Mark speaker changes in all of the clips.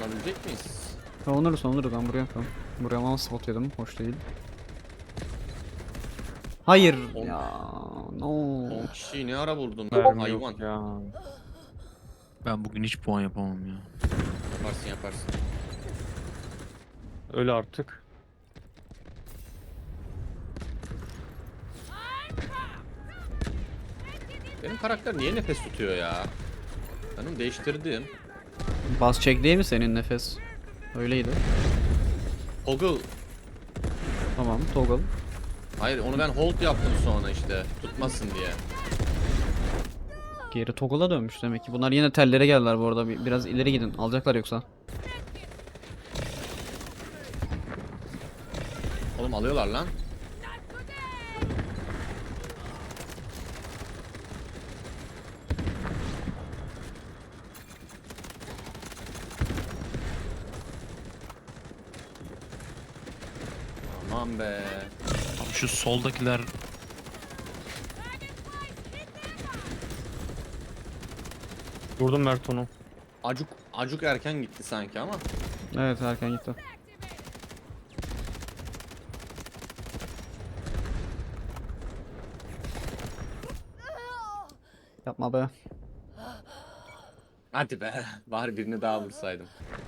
Speaker 1: savunabilecek miyiz?
Speaker 2: Savunuruz ben buraya tamam. Buraya ama spot yedim. Hoş değil. Hayır
Speaker 1: On-
Speaker 2: ya. No.
Speaker 1: 10 kişiyi ne ara vurdun?
Speaker 3: Mermi
Speaker 1: Hayvan.
Speaker 3: yok ya.
Speaker 4: Ben bugün hiç puan yapamam ya.
Speaker 1: Yaparsın yaparsın.
Speaker 3: Öl artık.
Speaker 1: Benim karakter niye nefes tutuyor ya? Ben onu değiştirdim.
Speaker 2: Bas çek değil mi senin nefes? Öyleydi.
Speaker 1: Toggle.
Speaker 2: Tamam toggle.
Speaker 1: Hayır onu ben hold yaptım sonra işte. Tutmasın diye.
Speaker 2: Geri toggle'a dönmüş demek ki. Bunlar yine tellere geldiler bu arada. Biraz ileri gidin. Alacaklar yoksa.
Speaker 1: Oğlum alıyorlar lan. Aman be.
Speaker 4: Abi şu soldakiler
Speaker 3: Vurdum Mert onu.
Speaker 1: Acuk erken gitti sanki ama.
Speaker 2: Evet erken gitti. Yapma be.
Speaker 1: Hadi be. Bari birini daha vursaydım.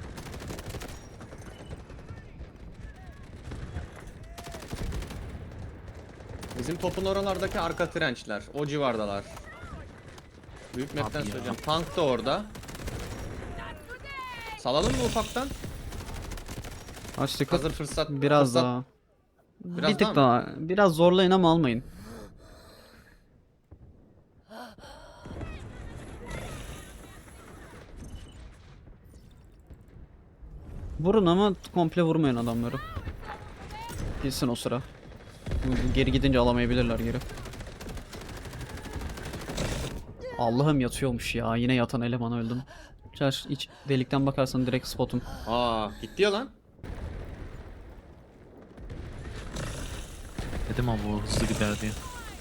Speaker 1: Bizim topun oralardaki arka trençler. O civardalar. Büyük map'ten
Speaker 4: Abi ya.
Speaker 1: söyleyeceğim. Tank da orada. Salalım mı ufaktan?
Speaker 2: Açtık.
Speaker 1: Hazır fırsat.
Speaker 2: Biraz
Speaker 1: fırsat-
Speaker 2: daha.
Speaker 1: Biraz
Speaker 2: Bir tık
Speaker 1: daha
Speaker 2: daha. Biraz zorlayın ama almayın. Vurun ama komple vurmayın adamları. Gitsin o sıra. Geri gidince alamayabilirler geri. Allah'ım yatıyormuş ya. Yine yatan eleman öldüm. Çarş iç delikten bakarsan direkt spotum.
Speaker 1: Aa gitti ya lan.
Speaker 4: dedim ama bu hızlı gider diye.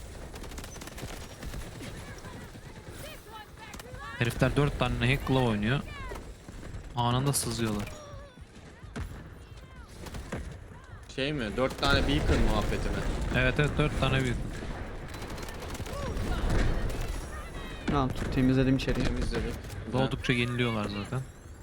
Speaker 4: Herifler 4 tane hack glove oynuyor. Anında sızıyorlar.
Speaker 1: Şey mi? 4 tane beacon muhabbeti mi?
Speaker 4: Evet 4 tane büyük.
Speaker 2: Tamam temizledim içeriği.
Speaker 1: Temizledik. Güzel.
Speaker 4: Doğdukça yeniliyorlar zaten.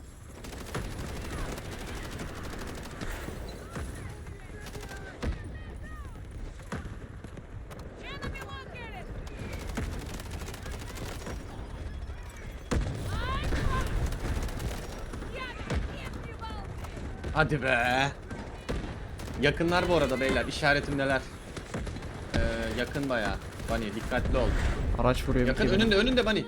Speaker 1: Hadi be. Yakınlar bu arada beyler. İşaretimdeler. Yakın bayağı. Bunny dikkatli ol.
Speaker 2: Araç vuruyor bir
Speaker 1: Yakın
Speaker 2: iki tane.
Speaker 1: önünde Bunny.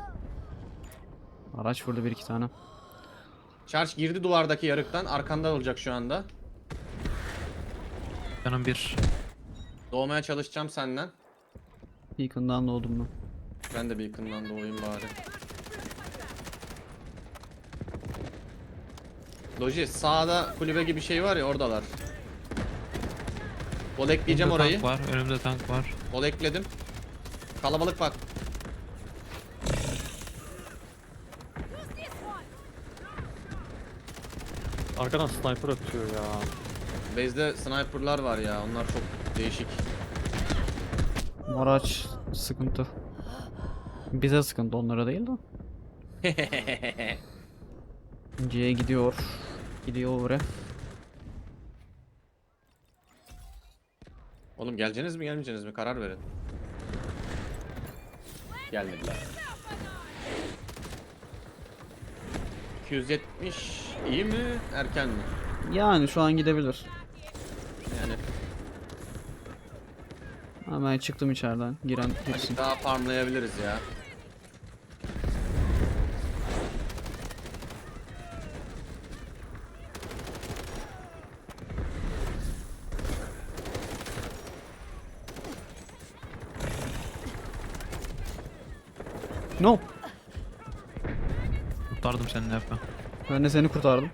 Speaker 2: Araç vurdu bir iki tane.
Speaker 1: Charge girdi duvardaki yarıktan. Arkanda olacak şu anda.
Speaker 4: Canım bir.
Speaker 1: Doğmaya çalışacağım senden.
Speaker 2: Beacon'dan doğdum ben.
Speaker 1: Ben de beacon'dan doğayım bari. Loji sağda kulübe gibi şey var ya oradalar. Bol ekleyeceğim
Speaker 4: Önümde
Speaker 1: orayı.
Speaker 4: tank var. Önümde tank var.
Speaker 1: Bol ekledim. Kalabalık bak.
Speaker 3: Arkadan sniper atıyor ya.
Speaker 1: Base'de sniper'lar var ya. Onlar çok değişik.
Speaker 2: Araç sıkıntı. Bize sıkıntı onlara değil de. C'ye gidiyor. Gidiyor oraya.
Speaker 1: Oğlum geleceğiniz mi gelmeyeceğiniz mi? Karar verin. Gelmediler. 270 iyi mi? Erken mi?
Speaker 2: Yani şu an gidebilir.
Speaker 1: Yani
Speaker 2: Hemen çıktım içeriden. Giren girsin.
Speaker 1: daha farmlayabiliriz ya.
Speaker 2: No.
Speaker 4: Kurtardım seni Efe.
Speaker 2: Ben de seni kurtardım.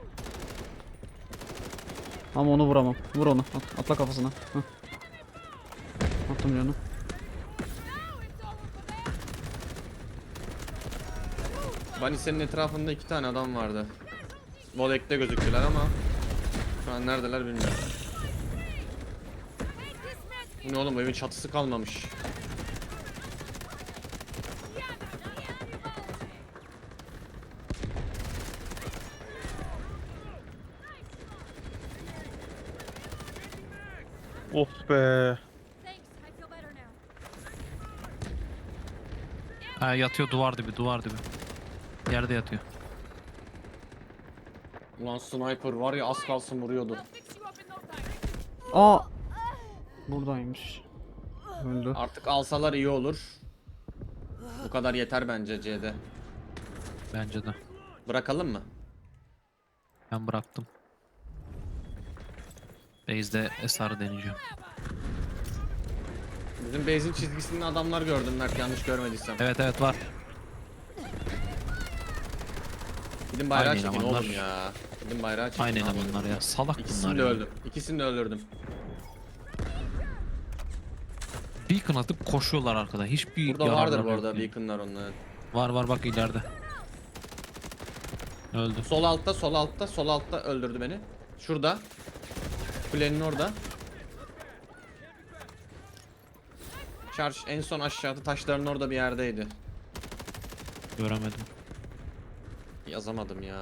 Speaker 2: Ama onu vuramam. Vur onu. Atla kafasına. Heh. Attım canı.
Speaker 1: Bunny senin etrafında 2 tane adam vardı. Volek'te gözüktüler ama şu an neredeler bilmiyorum. Bu ne oğlum, evin çatısı kalmamış.
Speaker 3: Of be.
Speaker 5: Thanks, I feel better now.
Speaker 4: Ha, yatıyor duvar dibi duvar dibi. Yerde yatıyor.
Speaker 1: Ulan sniper var ya, az kalsın vuruyordu.
Speaker 5: I'll fix you up in no time.
Speaker 2: Aa! Buradaymış. Öldü.
Speaker 1: Artık alsalar iyi olur. Bu kadar yeter bence C'de.
Speaker 4: Bence de.
Speaker 1: Bırakalım mı?
Speaker 4: Ben bıraktım. Base'de SR deneyeceğim.
Speaker 1: Bizim base'in çizgisinde adamlar gördüm Mert, yanlış görmediysem.
Speaker 4: Evet evet var.
Speaker 1: Gidin bayrağı
Speaker 4: Aynı
Speaker 1: çekin
Speaker 4: elemanlar.
Speaker 1: oğlum ya. Gidin bayrağı çekin.
Speaker 4: Aynı
Speaker 1: abi.
Speaker 4: elemanlar ya. Salak
Speaker 1: İkisini
Speaker 4: bunlar
Speaker 1: de
Speaker 4: ya.
Speaker 1: öldüm. İkisini de öldürdüm.
Speaker 4: Beacon atıp koşuyorlar arkada. Hiçbir
Speaker 1: Burada vardır
Speaker 4: yararları
Speaker 1: bu
Speaker 4: yok
Speaker 1: arada
Speaker 4: yani.
Speaker 1: beacon'lar onların.
Speaker 4: Var var bak ileride. Öldü.
Speaker 1: Sol altta, sol altta, sol altta öldürdü beni. Şurada. Kulenin orada. Charge en son aşağıda taşların orada bir yerdeydi.
Speaker 4: Göremedim.
Speaker 1: Yazamadım ya.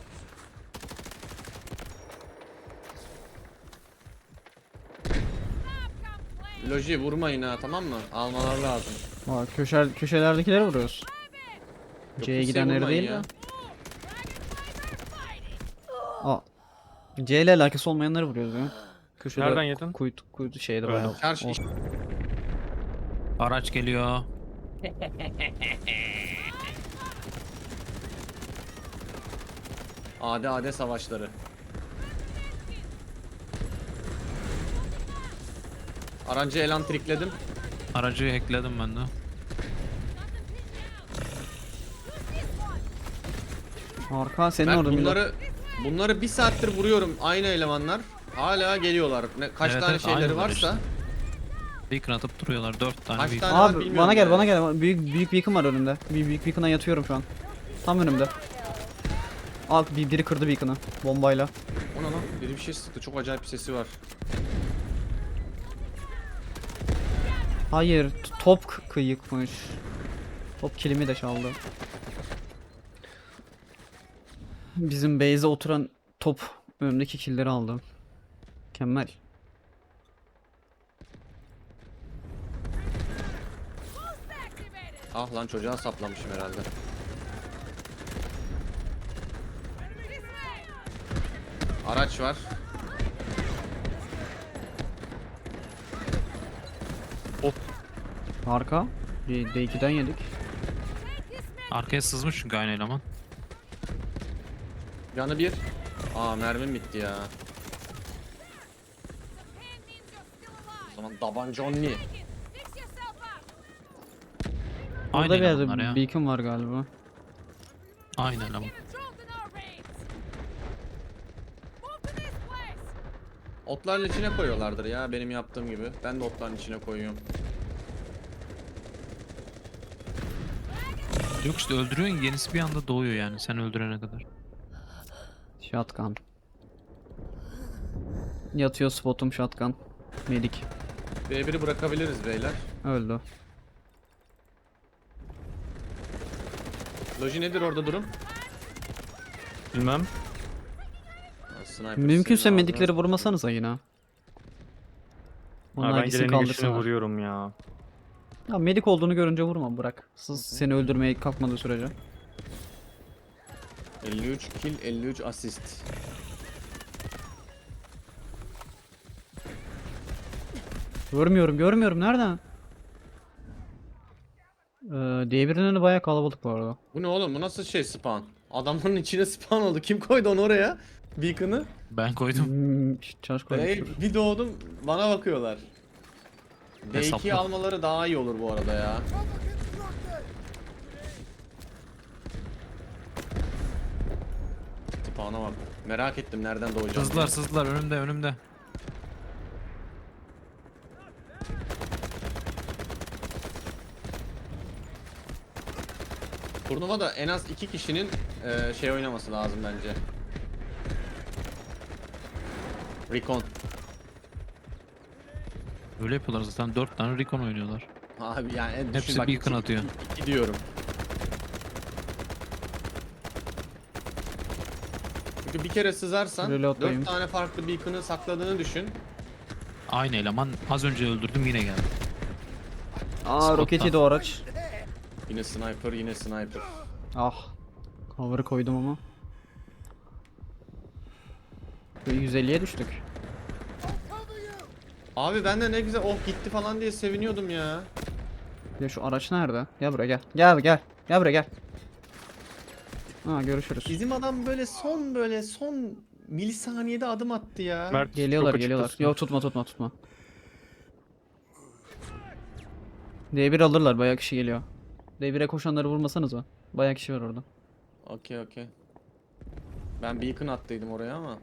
Speaker 1: Loji vurmayın ha, tamam mı? Almalar lazım.
Speaker 2: Aa, köşelerdekileri vuruyoruz.
Speaker 1: Yok,
Speaker 2: C'ye
Speaker 1: kimseye
Speaker 2: gidenleri
Speaker 1: vurmayın
Speaker 2: değil
Speaker 1: ya.
Speaker 2: de. Aa. C ile alakası olmayanları vuruyoruz ya. Köşede
Speaker 3: Nereden yedin?
Speaker 2: Kuytu şeyde
Speaker 3: Öyle.
Speaker 2: bayağı.
Speaker 1: Charge iş.
Speaker 4: Araç geliyor.
Speaker 1: AD savaşları. Arancı elan trikledim.
Speaker 4: Aracı hackledim ben de.
Speaker 2: Arka senin
Speaker 1: Ben
Speaker 2: orada
Speaker 1: bunları bir saattir vuruyorum, aynı elemanlar. Hala geliyorlar. Kaç
Speaker 4: Evet,
Speaker 1: tane
Speaker 4: evet,
Speaker 1: şeyleri
Speaker 4: aynılar
Speaker 1: varsa.
Speaker 4: işte. Beacon atıp duruyorlar. 4 tane
Speaker 1: Kaç
Speaker 4: beacon.
Speaker 1: tane var
Speaker 2: Abi
Speaker 1: bilmiyorum
Speaker 2: bana gel
Speaker 1: ya.
Speaker 2: bana gel. Büyük beacon var önümde. Büyük beacon'a yatıyorum şu an. Tam önümde. Al biri kırdı beacon'ı bombayla.
Speaker 1: O ne lan? Biri bir şey sıktı. Çok acayip bir sesi var.
Speaker 2: Hayır, top kıyıkmış. Top kilimi de çaldı. Bizim base'e oturan top önümdeki killleri aldı. Mükemmel.
Speaker 1: Ah lan, çocuğa saplamışım herhalde. Araç var.
Speaker 2: Arka. D2'den yedik.
Speaker 4: Arkaya sızmış çünkü aynı eleman.
Speaker 1: Yanı bir. Aa, mermim bitti ya. O zaman tabanca only.
Speaker 5: Fix yourself up.
Speaker 4: Aynı
Speaker 2: Burada bir yerde
Speaker 4: elemanlar ya.
Speaker 2: beacon var galiba.
Speaker 4: Aynı eleman.
Speaker 5: Controlled in our raids. Move to this place.
Speaker 1: Otların içine koyuyorlardır ya, benim yaptığım gibi. Ben de otların içine koyuyorum.
Speaker 4: Yok işte öldürüyorsun yenisi bir anda doğuyor yani sen öldürene kadar.
Speaker 2: Shotgun. Yatıyor spotum shotgun. Medik.
Speaker 1: B1'i bırakabiliriz beyler.
Speaker 2: Öldü.
Speaker 1: Loji nedir orada durum?
Speaker 3: Bilmem.
Speaker 1: Ha, sniper
Speaker 2: Mümkünse
Speaker 1: senin
Speaker 2: medikleri
Speaker 1: ağzına-
Speaker 2: vurmasanıza yine.
Speaker 3: Ha,
Speaker 2: Onlar
Speaker 3: ben
Speaker 2: gitsin
Speaker 3: geleni geçeni
Speaker 2: kaldırsınlar.
Speaker 3: vuruyorum ya.
Speaker 2: Ya medik olduğunu görünce vurma, bırak. Seni öldürmeye kalkmadığı sürece.
Speaker 1: 53 kill, 53 asist.
Speaker 2: Görmüyorum nereden? D1'in önü bayağı kalabalık bu arada.
Speaker 1: Bu ne oğlum? Bu nasıl şey spawn? Adamların içine spawn oldu. Kim koydu onu oraya? Beacon'ı.
Speaker 4: Ben koydum.
Speaker 2: Charge
Speaker 1: Hey,
Speaker 2: koymuştur.
Speaker 1: bir doğdum bana bakıyorlar. D2
Speaker 4: Hesaplı.
Speaker 1: almaları daha iyi olur bu arada ya. Spawn'a bak. Merak ettim nereden doğacağım.
Speaker 4: Sızdılar sızdılar önümde.
Speaker 1: Turnuvada en az 2 kişinin şey oynaması lazım bence. Recon.
Speaker 4: Öyle yapıyorlar zaten 4 tane Recon oynuyorlar.
Speaker 1: Abi yani düşün
Speaker 4: Hepsi
Speaker 1: bak,
Speaker 4: beacon atıyor.
Speaker 1: iki diyorum. Çünkü bir kere sızarsan
Speaker 2: Reload'dayım.
Speaker 1: 4 tane farklı beacon'ı sakladığını düşün.
Speaker 4: Aynı eleman az önce öldürdüm yine geldi.
Speaker 2: Aa
Speaker 4: Spot'tan.
Speaker 2: roket yedi o araç.
Speaker 1: Yine sniper, yine sniper.
Speaker 2: Ah. Cover'ı koydum ama. 150'ye düştük.
Speaker 1: Abi ben de ne güzel oh gitti falan diye seviniyordum ya.
Speaker 2: Ya şu araç nerede? Gel buraya gel. Gel gel. Gel buraya gel. Ha görüşürüz.
Speaker 1: Bizim adam böyle son milisaniyede adım attı ya.
Speaker 3: Mert
Speaker 2: Geliyorlar
Speaker 3: çok
Speaker 2: geliyorlar.
Speaker 3: açıktasın.
Speaker 2: Yok tutma. D1 alırlar, bayağı kişi geliyor. D1'e koşanları vurmasanız mı? Bayağı kişi var orada.
Speaker 1: Okey. Ben beacon attıydım oraya ama.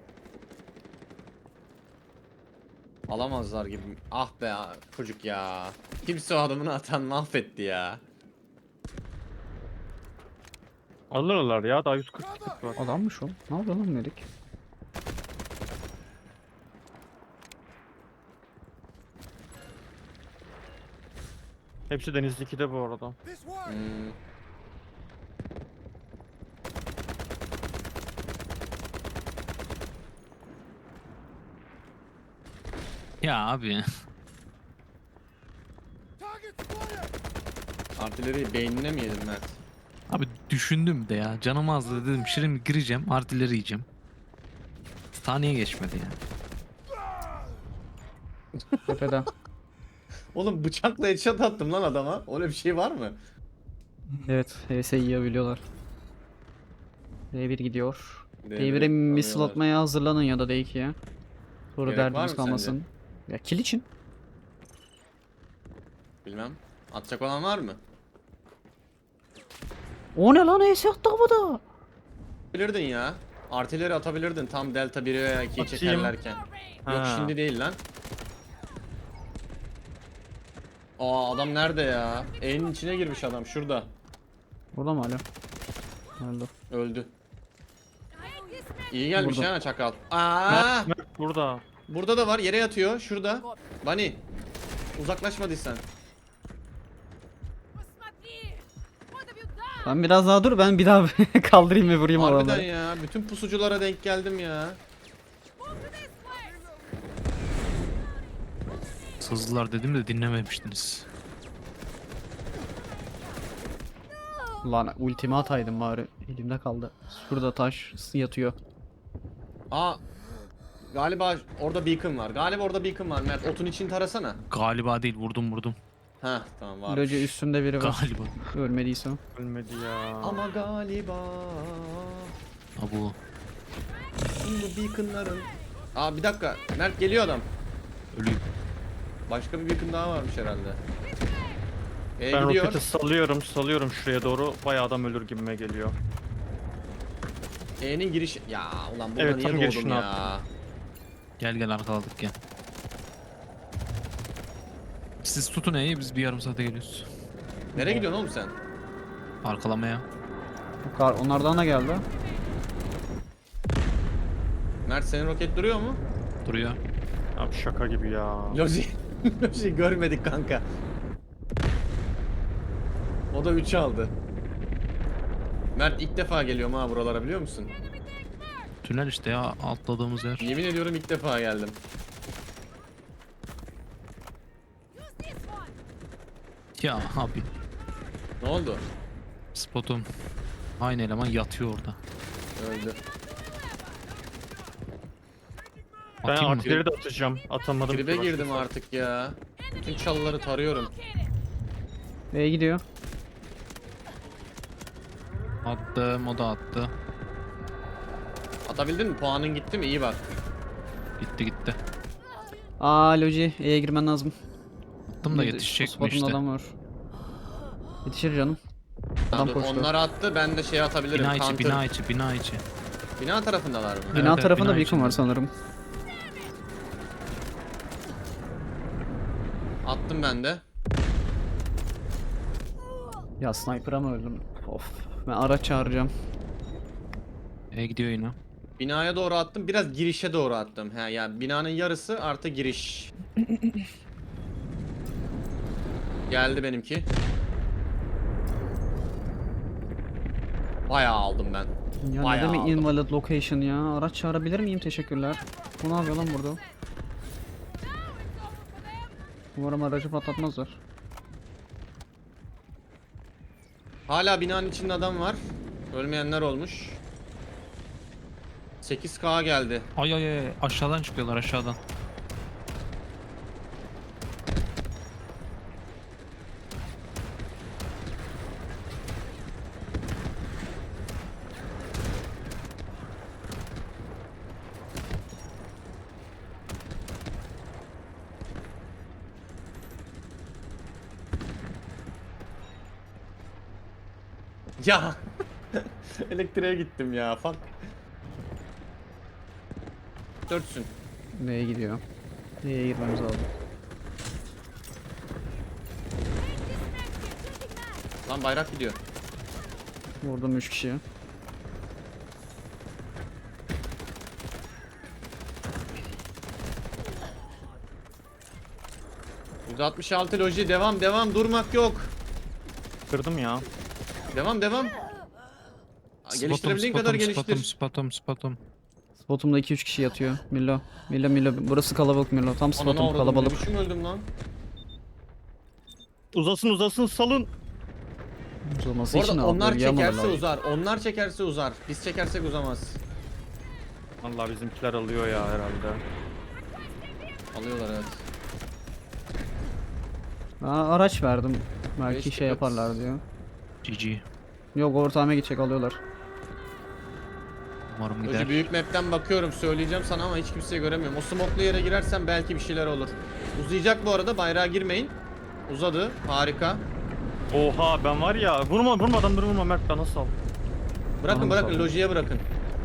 Speaker 1: Alamazlar gibi. Ah be çocuk ya. Kimse o adamını atan mahvetti ya.
Speaker 3: Alırlar ya, daha 140 kit var.
Speaker 2: Adammış o. Ne yapıyor lan dedik.
Speaker 3: Hepsi Deniz 2'de bu arada.
Speaker 1: Hmm.
Speaker 4: Ya abi.
Speaker 1: Artileriyi beynine mi yedin Mert?
Speaker 4: Abi düşündüm de ya. Canım azdı dedim. Şimdi gireceğim. Artileri yiyeceğim. Saniye geçmedi ya.
Speaker 2: Tepede.
Speaker 1: Oğlum bıçakla headshot attım lan adama. Öyle bir şey var mı?
Speaker 2: Evet, HS yiyebiliyorlar. D1 gidiyor.
Speaker 1: D1'e
Speaker 2: D1'e missile
Speaker 1: alıyorlar.
Speaker 2: atmaya hazırlanın ya da D2'ye. Sonra
Speaker 1: Gerek var
Speaker 2: derdiniz
Speaker 1: mı
Speaker 2: kalmasın. Ya kill için.
Speaker 1: Bilmem. Atacak olan var mı?
Speaker 2: O ne lan, HS attı havada.
Speaker 1: Bilirdin ya. Artileri atabilirdin tam delta 1'e veya 2'yi
Speaker 3: Atayım.
Speaker 1: çekerlerken.
Speaker 5: No range.
Speaker 1: Yok
Speaker 3: Ha.
Speaker 1: şimdi değil lan. Aa adam nerede ya? E'nin içine girmiş adam şurada.
Speaker 2: Burada mı hala? Öldü.
Speaker 1: Öldü.
Speaker 5: Hate this man.
Speaker 1: İyi gelmiş
Speaker 2: Burada.
Speaker 1: ha çakal. Aa!
Speaker 3: Mert burada.
Speaker 1: Burada da var yere yatıyor şurada. Bunny. Uzaklaşmadıysan.
Speaker 5: Посмотри. What have you done?
Speaker 2: Ben biraz daha dur, ben bir daha kaldırayım ve vurayım
Speaker 1: Harbiden
Speaker 2: adamları.
Speaker 1: ya. Bütün pusuculara denk geldim ya.
Speaker 5: Move to this place.
Speaker 4: Sızdılar dedim de dinlememiştiniz.
Speaker 2: Lan ultimi ataydım bari. Elimde kaldı. Şurada taş yatıyor.
Speaker 1: Aa. Galiba orada beacon var. Galiba orada beacon var Mert. Otun için tarasana.
Speaker 4: Galiba değil vurdum.
Speaker 1: Ha tamam var.
Speaker 2: Loca üstümde biri var.
Speaker 4: Galiba.
Speaker 2: Ölmediyse o.
Speaker 3: Ölmedi ya.
Speaker 1: Ama galiba
Speaker 4: Ha bu.
Speaker 1: bu beaconların. Aa bir dakika. Mert geliyor adam.
Speaker 4: Ölüyüm.
Speaker 1: Başka bir beacon daha varmış herhalde.
Speaker 3: Ben
Speaker 1: Gidiyor.
Speaker 3: roketi salıyorum şuraya doğru. Bayağı adam ölür gibime geliyor.
Speaker 1: E'nin giriş. Ya ulan burada
Speaker 3: Evet,
Speaker 1: niye
Speaker 3: tam
Speaker 1: doğdum
Speaker 3: girişini
Speaker 1: ya?
Speaker 4: Gel arkaladık gel. Siz tutun E'yi biz bir yarım saate geliyoruz.
Speaker 1: Nereye gidiyorsun oğlum sen?
Speaker 4: Arkalamaya.
Speaker 2: Onlardan da geldi.
Speaker 1: Mert senin roket duruyor mu?
Speaker 4: Duruyor.
Speaker 3: Abi şaka gibi ya.
Speaker 1: Loji. Loji görmedik kanka. O da 3 aldı. Mert ilk defa geliyorum ha buralara biliyor musun?
Speaker 4: Tünel işte ya atladığımız yer.
Speaker 1: Yemin ediyorum ilk defa geldim.
Speaker 5: Use this one.
Speaker 4: Ya abi
Speaker 1: Ne oldu?
Speaker 4: spotum. Aynı eleman yatıyor orada.
Speaker 1: Öldü.
Speaker 3: Ben
Speaker 4: Atayım mı?
Speaker 3: artileri de atacağım. Atamadım.
Speaker 1: Tribe
Speaker 3: ki
Speaker 1: girdim
Speaker 3: başka.
Speaker 1: artık ya. Bütün çalıları tarıyorum.
Speaker 5: Located.
Speaker 2: B'ye gidiyor.
Speaker 4: Attım o da attı.
Speaker 1: Atabildin mi? Puanın gitti mi? İyi bak.
Speaker 4: Gitti.
Speaker 2: Aa Loji, E'ye girmen lazım.
Speaker 4: Attım da
Speaker 2: Bir-
Speaker 4: yetişecek mi
Speaker 2: spotunda
Speaker 4: işte.
Speaker 2: adam var. Yetişir canım. Adam
Speaker 1: Dur,
Speaker 2: koştu.
Speaker 1: onları attı ben de şey atabilirim.
Speaker 4: Bina içi
Speaker 1: Counter.
Speaker 4: bina içi.
Speaker 1: Bina tarafındalar mı?
Speaker 2: Bina
Speaker 4: evet,
Speaker 2: tarafında
Speaker 4: bina
Speaker 2: beacon var
Speaker 4: içinde.
Speaker 2: sanırım.
Speaker 1: Attım ben de.
Speaker 2: Ya sniper'a mı öldüm? Of. Ben araç çağıracağım.
Speaker 4: E gidiyor yine.
Speaker 1: Binaya doğru attım. Biraz girişe doğru attım. He yani binanın yarısı artı giriş. Geldi benimki. Bayağı aldım ben.
Speaker 2: Ya ne
Speaker 1: Bayağı
Speaker 2: demek
Speaker 1: aldım.
Speaker 2: invalid location ya? Araç çağırabilir miyim? Teşekkürler. Bu ne yapıyor lan burada?
Speaker 5: Now it's over for them.
Speaker 2: Umarım aracı patlatmazlar.
Speaker 1: Hala binanın içinde adam var. Ölmeyenler olmuş. 8K geldi.
Speaker 4: Ay ay ay aşağıdan çıkıyorlar aşağıdan.
Speaker 1: Ya. Elektriğe gittim ya. Fuck. 4'sün.
Speaker 2: Neye gidiyor? Neye girmemiz lazım?
Speaker 1: Lan bayrak gidiyor.
Speaker 2: Vurdum 3 kişiye.
Speaker 1: %66 loji devam devam durmak yok.
Speaker 3: Kırdım ya.
Speaker 1: Devam devam. Geliştirebildiğin kadar geliştir.
Speaker 4: Spotum.
Speaker 2: Spotumda 2-3 kişi yatıyor. Milo. Milo. Burası kalabalık Milo. Tam
Speaker 1: Ananı
Speaker 2: spotum
Speaker 1: avradım, ne
Speaker 2: kalabalık.
Speaker 1: biçim öldüm lan.
Speaker 3: Uzasın salın.
Speaker 2: Uzaması
Speaker 1: Bu
Speaker 2: için
Speaker 1: arada
Speaker 2: abi.
Speaker 1: onlar
Speaker 2: bölgeye almaları
Speaker 1: çekerse
Speaker 2: lazım.
Speaker 1: uzar. Onlar çekerse uzar. Biz çekersek uzamaz.
Speaker 3: Vallahi bizimkiler alıyor ya herhalde.
Speaker 1: Alıyorlar evet.
Speaker 2: Ben araç verdim. Belki
Speaker 1: Beş
Speaker 2: şey
Speaker 1: ticket.
Speaker 2: yaparlar diyor.
Speaker 4: GG.
Speaker 2: Yok ortağıma gidecek alıyorlar.
Speaker 4: Umarım
Speaker 1: Loji
Speaker 4: gider.
Speaker 1: büyük map'ten bakıyorum söyleyeceğim sana ama hiç kimseyi göremiyorum. O smoke'lu yere girersen belki bir şeyler olur. Uzayacak bu arada, bayrağa girmeyin. Uzadı, harika.
Speaker 3: Oha ben var ya vurmadan vurma Mert bana sal.
Speaker 1: Bırakın
Speaker 2: Tamam,
Speaker 1: bırakın,
Speaker 2: tamam.
Speaker 1: Loji'ye bırakın.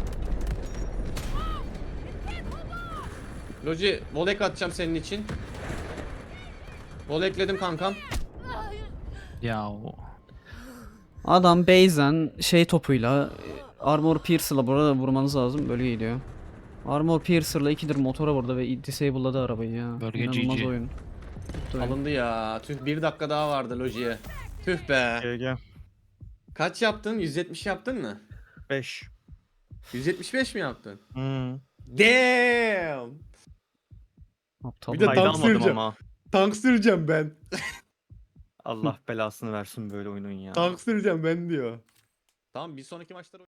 Speaker 1: Loji, volek atacağım senin için. Volekledim kankam.
Speaker 4: Ya o.
Speaker 2: Adam base'den şey topuyla Armor Piercer'la burada vurmanız lazım. Böyle gidiyor. Armor Piercer'la ikidir motora vurdu ve disable'ladı arabayı ya.
Speaker 4: Bölge
Speaker 2: İnanılmaz
Speaker 4: GG.
Speaker 2: oyun. Bitti oyun.
Speaker 1: Alındı ya. Tüh, 1 dakika daha vardı Loji'ye. Tüh be.
Speaker 3: GG.
Speaker 1: Kaç yaptın? 170 yaptın mı?
Speaker 3: 5.
Speaker 1: 175 mi yaptın?
Speaker 3: Hmm.
Speaker 1: Damn.
Speaker 2: Aptal.
Speaker 1: Bir de
Speaker 3: Kayda
Speaker 1: tank
Speaker 3: almadım
Speaker 1: süreceğim.
Speaker 3: ama.
Speaker 1: Tank süreceğim ben.
Speaker 3: Allah belasını versin böyle oyunun ya.
Speaker 1: Tank süreceğim ben diyor. Tamam, bir sonraki maçta